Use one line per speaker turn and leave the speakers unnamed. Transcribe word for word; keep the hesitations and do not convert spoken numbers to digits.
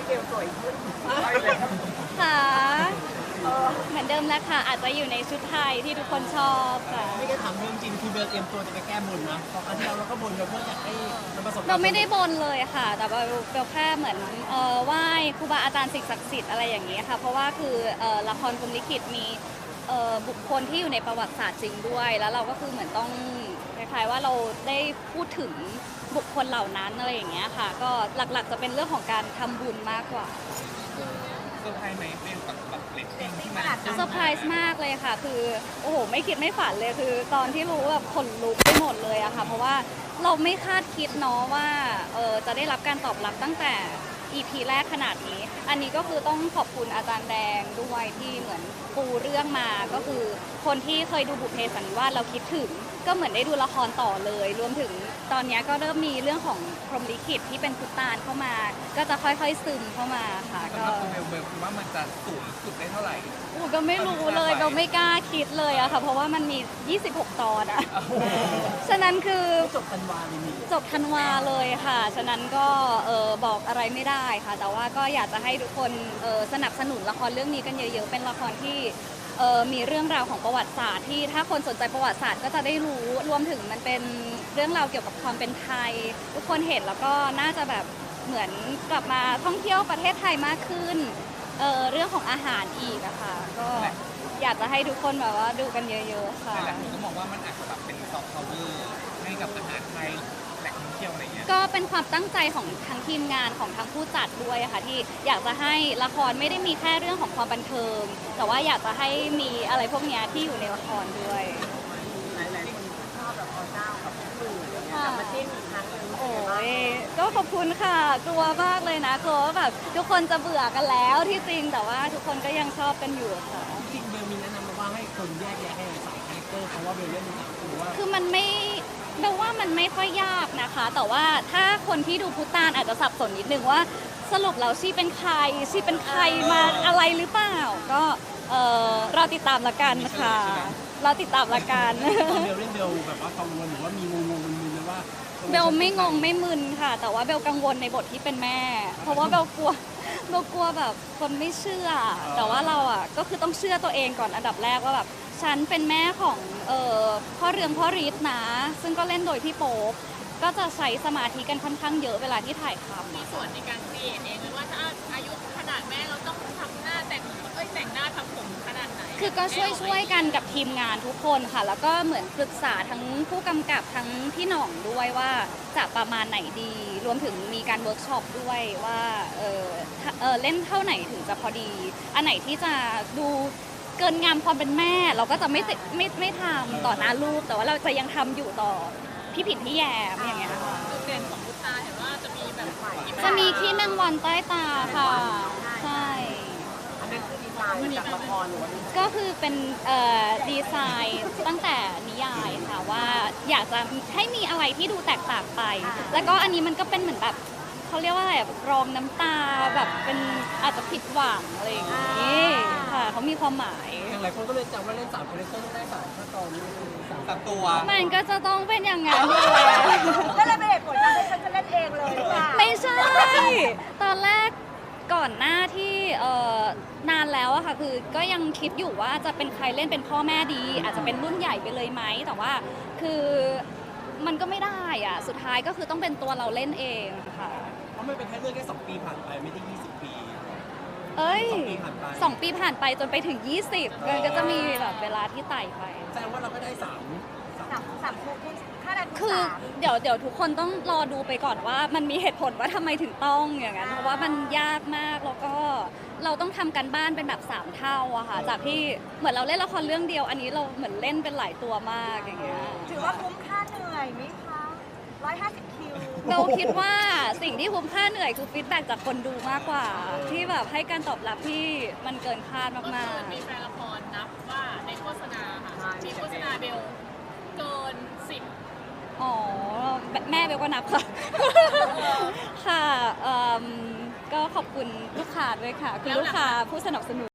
เบลสวยขึ้น
ค่ะเหมือนเดิมแล้วค่ะอาจจะอยู่ในชุดไทยที่ทุกคนชอบค่ะ
ไม่ได้ถามเรื่องจริงคือเบลเตรียมตัวจะไปแก้บนนะเพราะครั้งที่แล้วเราก็บนเบลเพื่ออยากให้มันประสบความ
เราไม่ได้บนเลยค่ะ แต่ว่าเราแค่เหมือนเอ่อไหว้ครูบาอาจารย์สิ่งศักดิ์สิทธิ์อะไรอย่างนี้ค่ะ เพราะว่าคือเอ่อละครพรหมลิขิตมีเอ่อบุคคลที่อยู่ในประวัติศาสตร์จริงด้วย แล้วเราก็คือเหมือนต้องคล้ายๆว่าเราได้พูดถึงบุคคลเหล่านั้นอะไรอย่างเงี้ยค่ะ ก็หลักๆจะเป็นเรื่องของการทำบุญมากกว่า
เซอร์ไพรส์ไหมเป็นแบบแบบเรตติ้งที่มัน
เซอร์ไพรส์มากเลยค่ะ คือโอ้โหไม่คิดไม่ฝันเลยคือ ตอนที่รู้แบบขนลุกไปหมดเลยอะค่ะ เพราะว่าเราไม่คาดคิดเนาะว่าเออจะได้รับการตอบรับตั้งแต่ อี พี แรกขนาดนี้ อันนี้ก็คือต้องขอบคุณอาจารย์แดงด้วยที่เหมือนปูเรื่องมาก็คือคนที่เคยดูบุพเพสันนิวาสเราคิดถึง ก็เหมือนได้ดูละครต่อเลย รวมถึงตอนนี้ก็เริ่มมีเรื่องของพรหมลิขิตที่เป็นพุตตานเข้ามา ก็จะค่อยๆซึมเข้ามาค่ะ
สำ
ก็
หรับตัวเบลเบลคิดว่ามันจะสูงสุดได้เท่าไหร่
อูก็ไม่รู้เลยเราไม่กล้าคิดเลยอะค่ะ เพราะว่ามันมี ยี่สิบหก ตอนอะฉะนั้นคือ
จบธันวาเลยมี
จบธันวาเลยค่ะ ฉะนั้นก็เออบอกอะไรไม่ได้ค่ะ แต่ว่าก็อยากจะให้ทุกคนเออสนับสนุนละครเรื่องนี้กันเยอะๆ เป็นละครที่เออมีเรื่องราวของประวัติศาสตร์ที่ถ้าคนสนใจประวัติศาสตร์ก็จะได้รู้ รวมถึงมันเป็นเรื่องราวเกี่ยวกับความเป็นไทย ทุกคนเห็นแล้วก็น่าจะแบบเหมือนกลับมาท่องเที่ยวประเทศไทยมากขึ้นเออเรื่องของอาหารอีกอะค่ะ ก็อยากจะให้ทุกคนแบบว่าดูกันเยอะๆค่ะ
แต่หลายคนก็มองว่ามันอาจจะแบบเป็นซอฟต์พาวเวอร์ให้กับอาหารไทยแหล่งท่องเที่ยวอะไรเงี้ย
ก็เป็นความตั้งใจของทั้งทีมงานของทั้งผู้จัดด้วยอะค่ะที่อยากจะให้ละครไม่ได้มีแค่เรื่องของความบันเทิง แต่ว่าอยากจะให้มีอะไรพวกเนี้ยที่อยู่ในละครด้วย
หลายๆคนชอบแบบอเจ้ากับพี่หนุ่มอะไรเงี้ยกลับมาจิ้นอีกครั้งหนึง
โอ้ยก็ขอบคุณค่ะ กลัวมากเลยนะกลัวว่าแบบทุกคนจะเบื่อกันแล้วที่จริงแต่ว่าทุกคนก็ยังชอบกันอยู่ค่ะ
จริงเบลมีแนะนำมาว่าให้คนแยกแยะให้สายคาแรคเตอร์เพราะว่าเบลเล่นเป็นคือว่า
คือมันไม่เบลว่ามันไม่ค่อยยากนะคะ แต่ว่าถ้าคนที่ดูพุตานอาจจะสับสนนิดนึงว่าสรุปแล้วชีเป็นใครชีเป็นใครมาอะไรหรือเปล่า ก็เออเราติดตามละกันค่ะ เราติดตามละกัน
ตอนเบลเล่นเบลแบบว่ากังวลหรือว่ามีงงงมึนๆเลยว่า
เบลไม่งงไม่มึนค่ะ แต่ว่าเบลกังวลในบทที่เป็นแม่ เพราะว่าเบลกลัวเบลกลัวแบบคนไม่เชื่อ แต่ว่าเราอ่ะก็คือต้องเชื่อตัวเองก่อนอันดับแรกว่าแบบฉันเป็นแม่ของเอ่อพ่อเรืองพ่อฤทธิ์นะ ซึ่งก็เล่นโดยพี่โป๊ปก็จะใช้สมาธิกันค่อนข้างเยอะเวลาที่ถ่ายทำ
มีส่วนในการครีเอทเองเลยว่าถ้าอายุขนาดแม่เราต้องทำหน้าแต่งเอ้ยแต่งหน้าทำผมขนาดไหน
คือก็ช่วยช่วยกันกับทีมงานทุกคนค่ะ แล้วก็เหมือนปรึกษาทั้งผู้กำกับทั้งพี่หน่องด้วยว่าจะประมาณไหนดี รวมถึงมีการเวิร์กช็อปด้วยว่าเออถ้าเออเล่นเท่าไหนถึงจะพอดี อันไหนที่จะดูเกินงามความเป็นแม่ เราก็จะไม่ติไม่ไม่ทำต่อหน้าลูก แต่ว่าเราจะยังทำอยู่ต่อพี่ผิดพี่แยมอย่างเงี้ยค่ะ
จุดเด่นของพุตตาเห็นว่าจะมีแบบ
จะมีขี้แมงวันใต้ตาค่ะใช่
อันนั้นคือดีไซน์จากละครหรือว่าดีไซน์
ก็คือเป็นเอ่อดีไซน์ตั้งแต่นิยายค่ะว่าอยากจะให้มีอะไรที่ดูแตกต่างไป แล้วก็อันนี้มันก็เป็นเหมือนแบบเขาเรียกว่าอะไรแบบรองน้ำตาแบบเป็นอาจจะผิดหวังอะไรอย่างนี้ค่ะเขามีความหมาย
อย่างหลายคนก็เลยจำว่าเล่นสามคาแรคเตอร์ต้องได้สามขั้นตอนนี้สาม
ตัดตัว
มันก็จะต้องเป็นอย่างนั้นอยู่แล้ว
ก็เลยเป็นเหตุผลที่ฉันจะเล่นเองเลยหรือเปล่า
ไม่ใช่ ตอนแรกก่อนหน้าที่เอ่อนานแล้วอะค่ะคือก็ยังคิดอยู่ว่าจะเป็นใครเล่นเป็นพ่อแม่ดี อาจจะเป็นรุ่นใหญ่ไปเลยไหมแต่ว่าคือมันก็ไม่ได้อะสุดท้ายก็คือต้องเป็นตัวเราเล่นเองค่ะ
เพราะมันเป็นแค่เรื่องแค่สองปีผ่านไปไม่ได้ยี่สิบปี
เอ้ย
สองปีผ่านไป
สองปีผ่านไปจนไปถึง ยี่สิบมันก็จะมีแบบเวลาที่ไต่ไป
แสดงว่าเราก็ได้สามสาม
สามสามคู่คุณค่าแรงคุณ
คือ
สาม
เดี๋ยวเดี๋ยวทุกคนต้องรอดูไปก่อนว่ามันมีเหตุผลว่าทำไมถึงต้องอย่างนั้นเพราะว่ามันยากมากแล้วก็เราต้องทำกันบ้านเป็นแบบสามเท่าอะค่ะจากที่เหมือนเราเล่นละครเรื่องเดียว อันนี้เราเหมือนเล่นเป็นหลายตัวมากอย่างเงี้ย
ถือว่าคุ้มค่าเหนื่อยไหมคะร้อยห้าสิบคิว
เราคิดว่าสิ่งที่คุ้มค่าเหนื่อยคือฟีดแบ็กจากคนดูมากกว่า ที่แบบให้การตอบรับที่มันเกินคาด
ก็
มา
คื
ก
อมีแฟนละครนับว่าในโฆษณาค่ะมีโฆษณาเบลเกินสิบ
ๆอ๋อแม่เบลก็นับค่ะ ค่ะเอิ่มก็ขอบคุณลูกค้าด้วยค่ะ คือลูกค้าผู้สนับสนุน